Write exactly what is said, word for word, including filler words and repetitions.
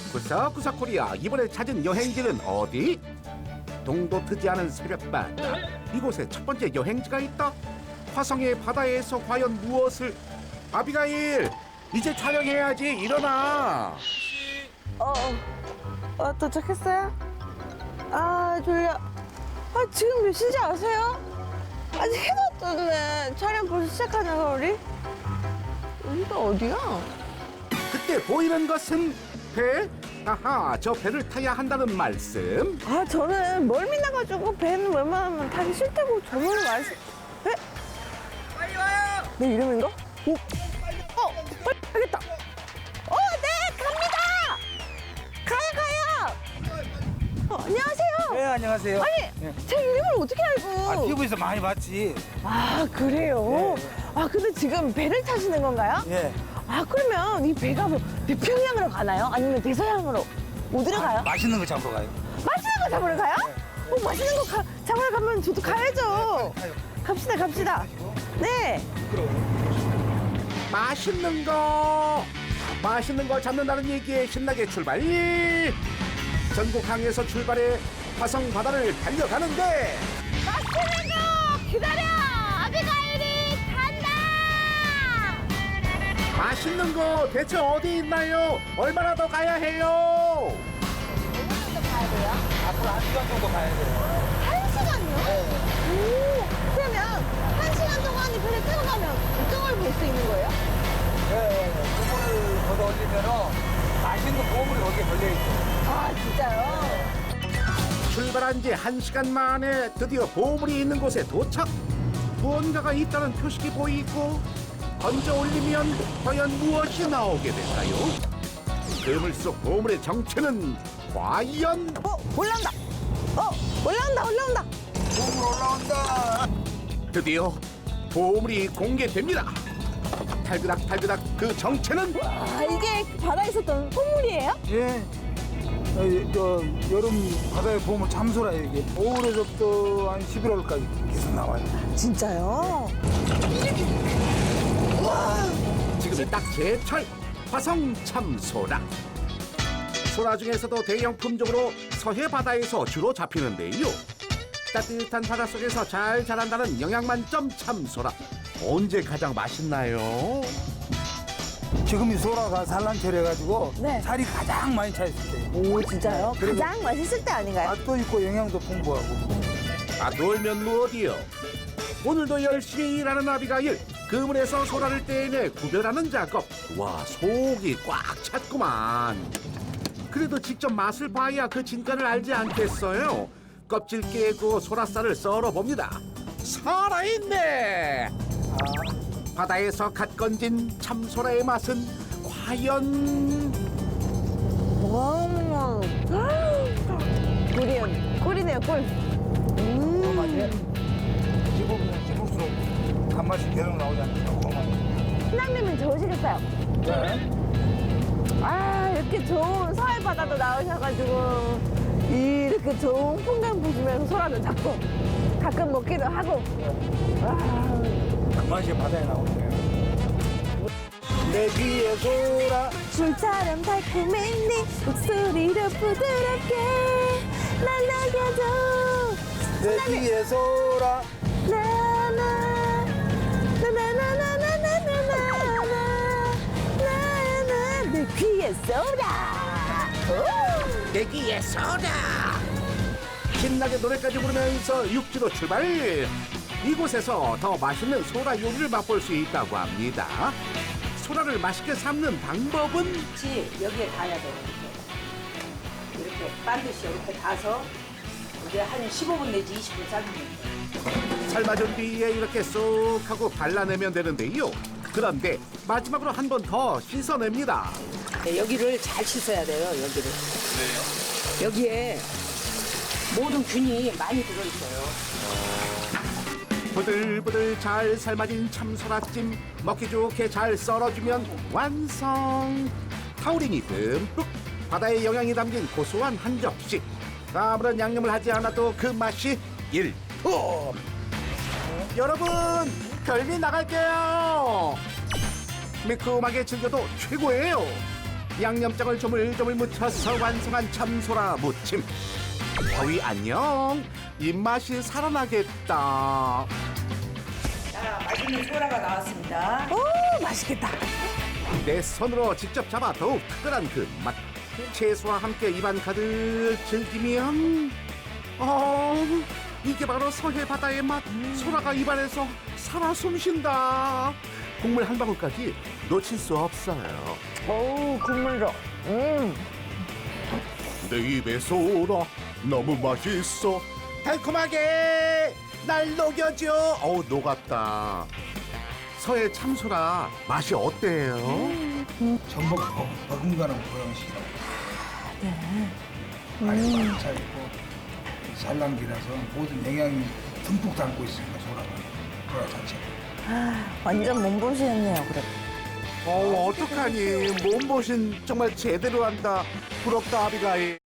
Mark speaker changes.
Speaker 1: 구석구석 코리아 이번에 찾은 여행지는 어디? 동도 트지 않은 새벽바다 이곳에 첫 번째 여행지가 있다. 화성의 바다에서 과연 무엇을? 아비가일 이제 촬영해야지 일어나.
Speaker 2: 어, 어, 어, 도착했어요? 아, 졸려. 아, 지금 몇 시인지 아세요? 아직 해도 떴네. 촬영 벌써 시작하냐고, 우리? 여기가 어디야?
Speaker 1: 그때 보이는 것은 배? 아하, 저 배를 타야 한다는 말씀.
Speaker 2: 아, 저는 멀미 나가지고 배는 웬만하면 타기 싫다고 저번에 말씀. 배?
Speaker 3: 빨리 와요.
Speaker 2: 내 이름인가? 오, 어, 빨리 가겠다. 어, 네, 갑니다. 가요, 가요. 어, 안녕하세요.
Speaker 3: 네, 안녕하세요.
Speaker 2: 아니,
Speaker 3: 네.
Speaker 2: 제 이름을 어떻게 알고?
Speaker 3: 아, 티비에서 많이 봤지.
Speaker 2: 아, 그래요?
Speaker 3: 네.
Speaker 2: 아, 근데 지금 배를 타시는 건가요?
Speaker 3: 예.
Speaker 2: 아, 그러면 이 배가 뭐 태평양으로 가나요? 아니면 대서양으로? 어디로 가요?
Speaker 3: 맛있는 거 잡으러 가요.
Speaker 2: 맛있는 거 잡으러 가요? 어, 맛있는 거 가, 잡으러 가면 저도 가야죠.
Speaker 3: 가요.
Speaker 2: 갑시다, 갑시다. 네.
Speaker 1: 맛있는 거 맛있는 거 잡는다는 얘기에 신나게 출발. 전국 항에서 출발해 화성 바다를 달려가는데
Speaker 2: 맛있는 거 기다려! 아비가일이 간다!
Speaker 1: 맛있는 거 대체 어디 있나요? 얼마나 더 가야 해요?
Speaker 2: 얼마나 더 가야 돼요?
Speaker 3: 앞으로 한 시간 정도 가야 돼요.
Speaker 2: 한 시간요? 오, 그러면 한 시간 동안 이 배를 타고 가면 어떤 걸 볼 수 있는 거예요?
Speaker 3: 예, 예, 예. 그거를 걷어 올리면은 맛있는 보물이 거기에 걸려있죠.
Speaker 2: 아, 진짜요?
Speaker 1: 출발한 지 한 시간 만에 드디어 보물이 있는 곳에 도착. 무언가가 있다는 표식이 보이고 던져 올리면 과연 무엇이 나오게 될까요? 그물 속 보물의 정체는 과연?
Speaker 2: 어, 올라온다! 어, 올라온다, 올라온다!
Speaker 3: 보물 올라온다.
Speaker 1: 드디어 보물이 공개됩니다. 탈그닥탈그닥 그 정체는?
Speaker 2: 아, 이게 바다에 있었던 콧물이에요?
Speaker 3: 예. 어, 저 여름 바다의 보물 참소라 이게 오월에서부터 한 십일월까지 계속 나와요.
Speaker 2: 진짜요?
Speaker 1: 지금이 딱 제철 화성 참소라. 소라 중에서도 대형 품종으로 서해 바다에서 주로 잡히는데요. 따뜻한 바닷속에서 잘 자란다는 영양 만점 참소라. 언제 가장 맛있나요?
Speaker 3: 지금이 소라가 산란철 해가지고
Speaker 2: 네.
Speaker 3: 살이 가장 많이 차 있을 때.
Speaker 2: 오, 진짜요?
Speaker 3: 그리고-
Speaker 2: 가장 맛있을 때 아닌가요?
Speaker 3: 맛도 있고 영양도 풍부하고.
Speaker 1: 아 놀면 무엇이요? 오늘도 열심히 일하는 아비가일. 그물에서 소라를 떼내 구별하는 작업. 와 속이 꽉 찼구만. 그래도 직접 맛을 봐야 그 진가를 알지 않겠어요? 껍질 깨고 소라살을 썰어 봅니다. 살아있네. 바다에서 갓 건진 참소라의 맛은 과연?
Speaker 2: 와, 꿀이에요. 꿀이네요, 꿀.
Speaker 3: 그
Speaker 2: 음.
Speaker 3: 맛에 씹으면 씹을수록 단맛이 계속 나오지 않습니까? 그 맛.
Speaker 2: 신랑님은 좋으시겠어요?
Speaker 3: 네.
Speaker 2: 아, 이렇게 좋은 서해 바다도 나오셔가지고 이렇게 좋은 풍경 보시면서 소라도 잡고 가끔 먹기도 하고. 와,
Speaker 3: 그 맛이 바다에 나오네요. 내 귀에 소라.
Speaker 2: 술처럼 달콤한 네 목소리로 부드럽게 날 녹여줘.
Speaker 3: 내 귀에 소라.
Speaker 2: 나나 나나나나나나나나나나 내 귀에 쏘라. 오!
Speaker 1: 내 귀에 소라. 신나게 노래까지 부르면서 육지로 출발. 이곳에서 더 맛있는 소라 요리를 맛볼 수 있다고 합니다. 소라를 맛있게 삶는 방법은?
Speaker 4: 같이 여기에 닿아야 돼요. 이렇게. 이렇게 반드시 이렇게 닿아서 이제 한 십오 분 내지 이십 분 삶으면 돼요.
Speaker 1: 삶아준 뒤에 이렇게 쏙 하고 발라내면 되는데요. 그런데 마지막으로 한 번 더 씻어냅니다.
Speaker 4: 네, 여기를 잘 씻어야 돼요. 여기를. 여기에 모든 균이 많이 들어있어요.
Speaker 1: 부들부들 잘 삶아진 참소라찜 먹기 좋게 잘 썰어주면 완성. 타우린이 듬뿍 바다의 영양이 담긴 고소한 한 접시. 아무런 양념을 하지 않아도 그 맛이 일품. 여러분 별미 나갈게요. 매콤하게 즐겨도 최고예요. 양념장을 조물조물 묻혀서 완성한 참소라 무침. 더위 안녕. 입맛이 살아나겠다.
Speaker 4: 자, 맛있는 소라가 나왔습니다.
Speaker 2: 오, 맛있겠다.
Speaker 1: 내 손으로 직접 잡아 더욱 특별한 그 맛. 채소와 함께 입안 가득 즐기면 어 이게 바로 서해 바다의 맛. 소라가 입안에서 살아 숨쉰다. 국물 한 방울까지 놓칠 수 없어요.
Speaker 2: 어우, 국물도. 음.
Speaker 1: 내 입에 소라 너무 맛있어. 달콤하게 날 녹여줘. 어우 녹았다. 서해 참소라 맛이 어때요?
Speaker 3: 전복 버- 버금가는 보양식이라고. 네. 아주 꽉 차있고 산란기라서 모든 영양이 듬뿍 담고 있으니까 소라가 소라 자체가.
Speaker 2: 완전 몸보신했네요, 그래.
Speaker 1: 어 어떡하니 몸보신 정말 제대로 한다. 부럽다 아비가일.